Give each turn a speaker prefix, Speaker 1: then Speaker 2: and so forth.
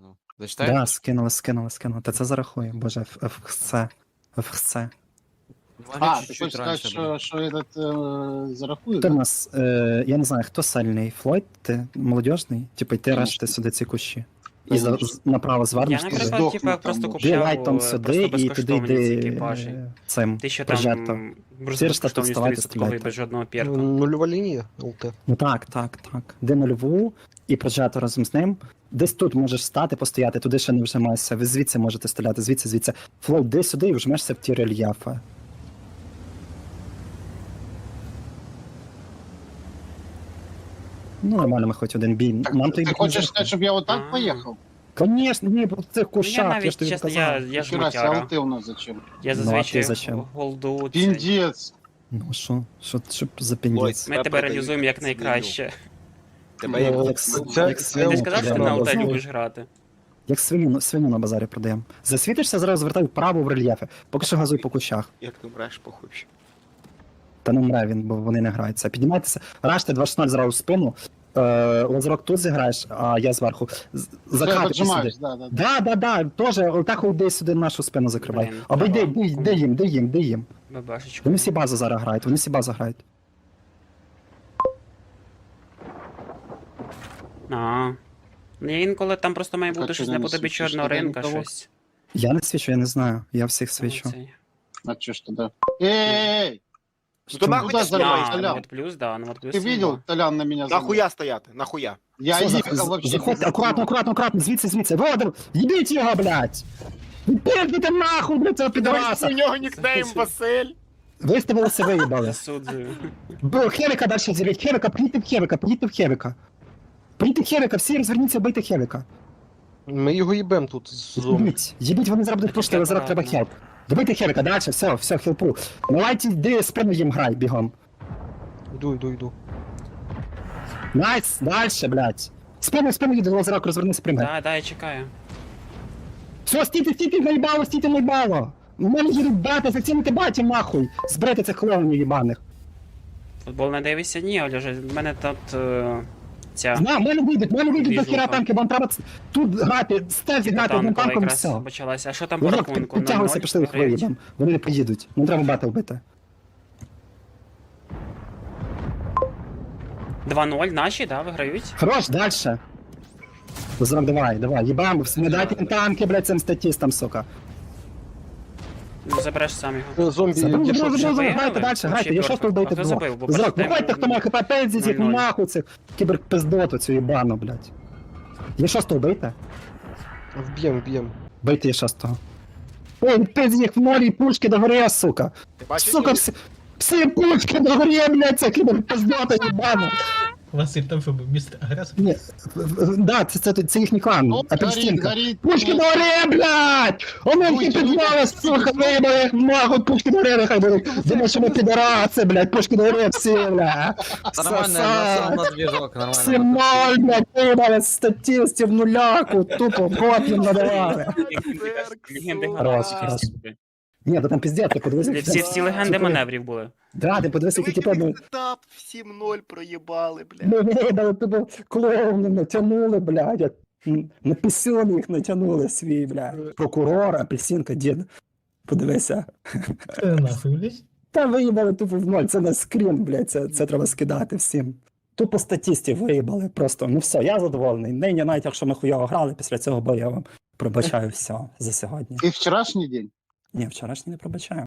Speaker 1: скинув. Зачитай?
Speaker 2: Да, скинули. Та це зарахує. Боже, ФХЦ.
Speaker 1: Лаги
Speaker 3: Ты
Speaker 1: чуть-чуть
Speaker 3: хочешь сказать,
Speaker 1: раньше, блин.
Speaker 3: что этот зарахует?
Speaker 2: Хто в
Speaker 3: Да?
Speaker 2: нас, я не знаю, хто сильний? Флойд, ти молодіжний? Типу, йти
Speaker 3: Конечно.
Speaker 2: решти сюди ці кущі. І
Speaker 3: Конечно.
Speaker 2: направо
Speaker 4: Я,
Speaker 2: звернеш туди.
Speaker 4: наприклад,
Speaker 3: Здохну
Speaker 4: типу, як
Speaker 3: там,
Speaker 4: просто
Speaker 3: бо.
Speaker 2: Ти лайтом
Speaker 4: купляв
Speaker 2: сюди
Speaker 4: просто
Speaker 2: і туди
Speaker 4: безкоштовні ці
Speaker 2: йди
Speaker 4: екіпажі.
Speaker 2: цим
Speaker 4: Ти що
Speaker 2: прожектом.
Speaker 4: там
Speaker 2: Всі решта тут
Speaker 4: безкоштовні
Speaker 2: вставайте,
Speaker 4: 100%
Speaker 2: стріляйте.
Speaker 4: без жодного перка.
Speaker 5: Нульова лінія, ЛТ.
Speaker 2: Ну так. Де нульову і прожето разом з ним. Десь тут можеш стати, постояти, туди ще не вжимайся. Ви звідси можете стріляти, звідси. Флоу, де сюди і вжмешся в ті рельєфи. Ну, нормально, ми хоч один бій.
Speaker 3: Так,
Speaker 2: Нам то
Speaker 3: ты хочешь сказать, чтобы я вот так
Speaker 4: А.
Speaker 3: поехал?
Speaker 2: Конечно, ні, по цих
Speaker 4: Ну, я
Speaker 2: кущах, я ж
Speaker 4: навіть,
Speaker 2: тобі
Speaker 4: чесно,
Speaker 2: казав.
Speaker 4: я ж
Speaker 3: Нихера себе,
Speaker 4: мотяра.
Speaker 3: а ты у нас зачем?
Speaker 4: Я
Speaker 2: Ну, а
Speaker 4: зазвичай
Speaker 2: ти зачем?
Speaker 4: голду. цей.
Speaker 3: Пиндец.
Speaker 2: Ну, що за піндець?
Speaker 4: Ми тебе реалізуємо як найкраще.
Speaker 1: Тебе як
Speaker 2: Як
Speaker 4: Ти
Speaker 2: свиню
Speaker 4: не сказав, що ти на ЛТ
Speaker 2: продаємо.
Speaker 4: любиш грати?
Speaker 2: Як свиню на базарі продаємо. Засвітишся, зразу звертай вправо в рельєфи. Поки що газуй по кущах.
Speaker 1: як ти мреш, похуй.
Speaker 2: Та не мре він, бо вони не граються. Піднімайтеся, раште 2-0 зразу в спину. Лазерок тут зіграєш, а я зверху.
Speaker 3: Все,
Speaker 2: Закати сюди.
Speaker 3: поджимаешь, да.
Speaker 2: Да, тоже, отак йди сюди нашу спину закривай.
Speaker 4: Блін,
Speaker 2: Або йди,
Speaker 4: треба.
Speaker 2: де їм.
Speaker 4: Бабашечку.
Speaker 2: Вони всі базу зараз грають,
Speaker 4: А. Ну, інколи там просто має бути
Speaker 3: Так,
Speaker 4: щось
Speaker 3: ти не
Speaker 4: наподобі
Speaker 3: світиш
Speaker 4: чорного
Speaker 3: туди
Speaker 4: ринка,
Speaker 3: нікого?
Speaker 4: щось.
Speaker 2: Я не свічу, я не знаю. Я всіх свічу.
Speaker 4: Цей.
Speaker 3: А чё ж тогда? Эй!
Speaker 1: Ну то нахуй
Speaker 3: Куда
Speaker 1: ти
Speaker 3: залазь,
Speaker 1: стоїш?
Speaker 3: Толян?
Speaker 4: Вот плюс, да, ну вот плюс.
Speaker 3: Ты видел, Толян на меня залез?
Speaker 1: Нахуя стояти? Нахуя?
Speaker 3: Я
Speaker 2: Все,
Speaker 3: ехал вообще.
Speaker 2: заходьте,
Speaker 3: без
Speaker 2: акуратно, звідси. Водор, їбіть його, блядь! Пиздите нахуй, блядь, цього підраса!
Speaker 1: У нього нікнейм Василь.
Speaker 2: Виставилися, виїбали.
Speaker 4: Засуджую.
Speaker 2: Бо Хевіка далі зірять, поїдьте в Хевіка. Поїдьте в Хевіка, всі розверніться, бийте Хевіка.
Speaker 5: Ми його їбем тут з зони.
Speaker 2: Їбіть, вони зараз будуть пушити, зараз треба хелп. Добийте Хевіка, далі, все, хелпу. Давайте, йди, спину їм грай, бігом.
Speaker 5: Йду.
Speaker 2: Найс, дальше, блядь. Спину їде, лазерок, розвернися, прийме.
Speaker 4: Да, я чекаю.
Speaker 2: Все, стійте, наїбало. У мене їдуть бати, зацінити баті нахуй. Зберете цих клоунів їбаних.
Speaker 4: Футбол не дивишся? Ні, Олеже, в мене тут ця...
Speaker 2: В мене вийдуть до
Speaker 4: Двіжуха.
Speaker 2: хіра танки, вам треба тут грати, стель зіграти одним
Speaker 4: Танкова
Speaker 2: танком і
Speaker 4: якраз
Speaker 2: все.
Speaker 4: почалася. А що там по
Speaker 2: Лазерок,
Speaker 4: рахунку?
Speaker 2: підтягуйся,
Speaker 4: 0-0
Speaker 2: пішли їх
Speaker 4: виграють?
Speaker 2: виїдемо. Вони не поїдуть. Ну треба бати вбити.
Speaker 4: 2-0 наші, да, виграють?
Speaker 2: Хорош, дальше. Лазерок, давай, їбам, не дайте їм танки, блядь, цим статістам, сука.
Speaker 4: Ну, забереш сам його.
Speaker 5: Зомбі
Speaker 2: Забрав,
Speaker 5: дійшов.
Speaker 4: виграли?
Speaker 2: грайте далі,
Speaker 4: Вообще
Speaker 2: грайте, я шостого
Speaker 4: перфект.
Speaker 2: вбийте
Speaker 4: А хто
Speaker 2: двох.
Speaker 4: забив? Бо
Speaker 2: Лазерок,
Speaker 4: бачите,
Speaker 2: виходьте, хто має хп, пензіть їх
Speaker 4: 0-0.
Speaker 2: нахуй цих кіберпиздоту цю їбану, блядь. Є шостого вбийте?
Speaker 5: Вб'єм.
Speaker 2: Бийте є шостого. Ой, пиздіть їх в морі, пушки до гори, сука.
Speaker 1: Ти бачиш?
Speaker 2: Сука, всі пушки до гори, блядь, це кіберпиздота їбана.
Speaker 6: Василь, там що був містер агресор?
Speaker 2: Ні, да, це їхній клан,
Speaker 3: Ну,
Speaker 2: апельсинка.
Speaker 3: горит.
Speaker 2: Пушки до гори, блядь! Вони всі підвали, сука, вибили їх нахуй, пушки до гори, нехай будуть. Думаю, що ми підараси, блядь, пушки до гори всі, блядь.
Speaker 7: Нормально,
Speaker 2: Сосать.
Speaker 7: на движок, нормально.
Speaker 2: Всі ноль, блядь, вибили статистів нуляку, тупо коп'ям надавали.
Speaker 4: Легенди
Speaker 2: Хорош. Ні, то там пиздец, ти подивися.
Speaker 4: Всі легенди маневрів були.
Speaker 2: Да, ти подивися, які типу, ну,
Speaker 1: Етап 7-0 проїбали, блядь.
Speaker 2: ми видали, типу, клоуни натягнули, блядь, як на пісюн їх натягнули свій, блядь. Прокурор, апельсинка, дід. Подивися.
Speaker 6: Нахуй, блядь.
Speaker 2: Та виїбали тупо в ноль, це на скрін, блядь, це треба скидати всім. Тупо статістів виїбали, просто, ну все, я задоволений. Нині, навіть якщо ми хуйово грали, після цього бою я вам пробачаю все за сьогодні.
Speaker 3: И вчерашний день.
Speaker 2: Ні, вчорашній не пробачаю.